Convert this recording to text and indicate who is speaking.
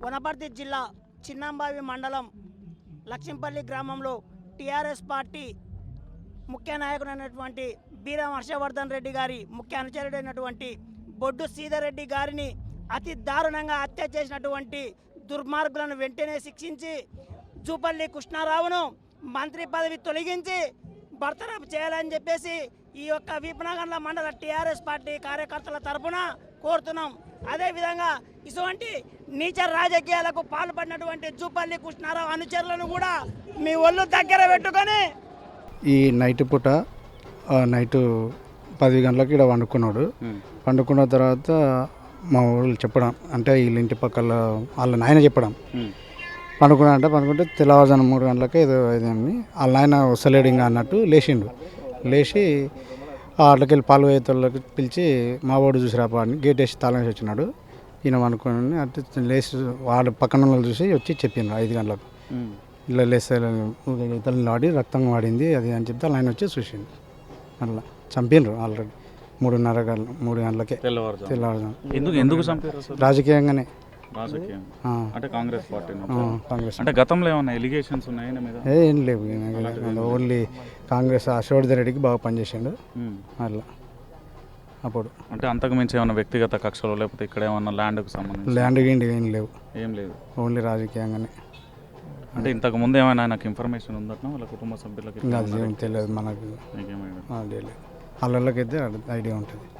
Speaker 1: వనపర్తి జిల్లా చిన్నంబావి మండలం లక్ష్మీపల్లి గ్రామంలో టీఆర్ఎస్ పార్టీ ముఖ్య నాయకుడైనటువంటి బీరం హర్షవర్ధన్ రెడ్డి గారి ముఖ్య అనుచరుడైనటువంటి బొడ్డు సీతారెడ్డి గారిని అతి దారుణంగా హత్య చేసినటువంటి దుర్మార్గులను వెంటనే శిక్షించి జూపల్లి కృష్ణారావును మంత్రి పదవి తొలగించి బర్తరఫ్ చేయాలని చెప్పేసి ఈ యొక్క వీపనగర్ల మండల టీఆర్ఎస్ పార్టీ కార్యకర్తల తరఫున కోరుతున్నాం. అదేవిధంగా ఇటువంటి నీచ రాజకీయాలకు పాల్పడినటువంటి జూపల్లి కృష్ణారావు అనుచరులను కూడా మీ ఒళ్ళు దగ్గర పెట్టుకొని
Speaker 2: ఈ నైట్ పూట నైటు 10 గంటలకు ఇక్కడ వండుకున్నాడు. వండుకున్న తర్వాత మా ఊళ్ళు చెప్పడం అంటే వీళ్ళ ఇంటి పక్కల వాళ్ళ నాయన చెప్పడం పండుకుంటే తెల్లవారుజాము 3 గంటలకే ఇదేమి వాళ్ళ నాయన వస్తలేడు ఇంకా అన్నట్టు లేచి అట్లకెళ్ళి పాలు వేతలకు పిలిచి మా వాడు చూసి రాపా అని గేట్ వేసి తాళం వేసి వచ్చినాడు. ఈయన అనుకుని అటు లేచి వాడు పక్కన వాళ్ళు చూసి వచ్చి చెప్పిండ్రు 5 గంటలకు ఇలా లేస్తే ఇతరులు వాడి రక్తం వాడింది అది అని చెప్తే ఆయన వచ్చి చూసిండు. అట్లా చంపిండ్రు ఆల్రెడీ 3 గంటలకే తెల్లవారుజాము. రాజకీయంగానే
Speaker 3: అంటే కాంగ్రెస్ పార్టీ
Speaker 2: కాంగ్రెస్
Speaker 3: అంటే గతంలో ఏమన్నా ఎలిగేషన్స్ ఉన్నాయి
Speaker 2: ఏం లేవు. ఓన్లీ కాంగ్రెస్ హర్షవర్ధన్ రెడ్డికి బాగా పనిచేసిండు అట్లా. అప్పుడు
Speaker 3: అంటే అంతకు మించి ఏమన్నా వ్యక్తిగత కక్షలు లేకపోతే ఇక్కడ ఏమన్నా ల్యాండ్కి సంబంధించి
Speaker 2: ల్యాండ్ గిండి ఏం లేదు.
Speaker 3: ఓన్లీ
Speaker 2: రాజకీయంగానే.
Speaker 3: అంటే ఇంతకు ముందు ఏమైనా నాకు ఇన్ఫర్మేషన్ ఉందట వాళ్ళ కుటుంబ సభ్యులకి
Speaker 2: తెలియదు మనకు. వాళ్ళకైతే ఐడియా ఉంటుంది.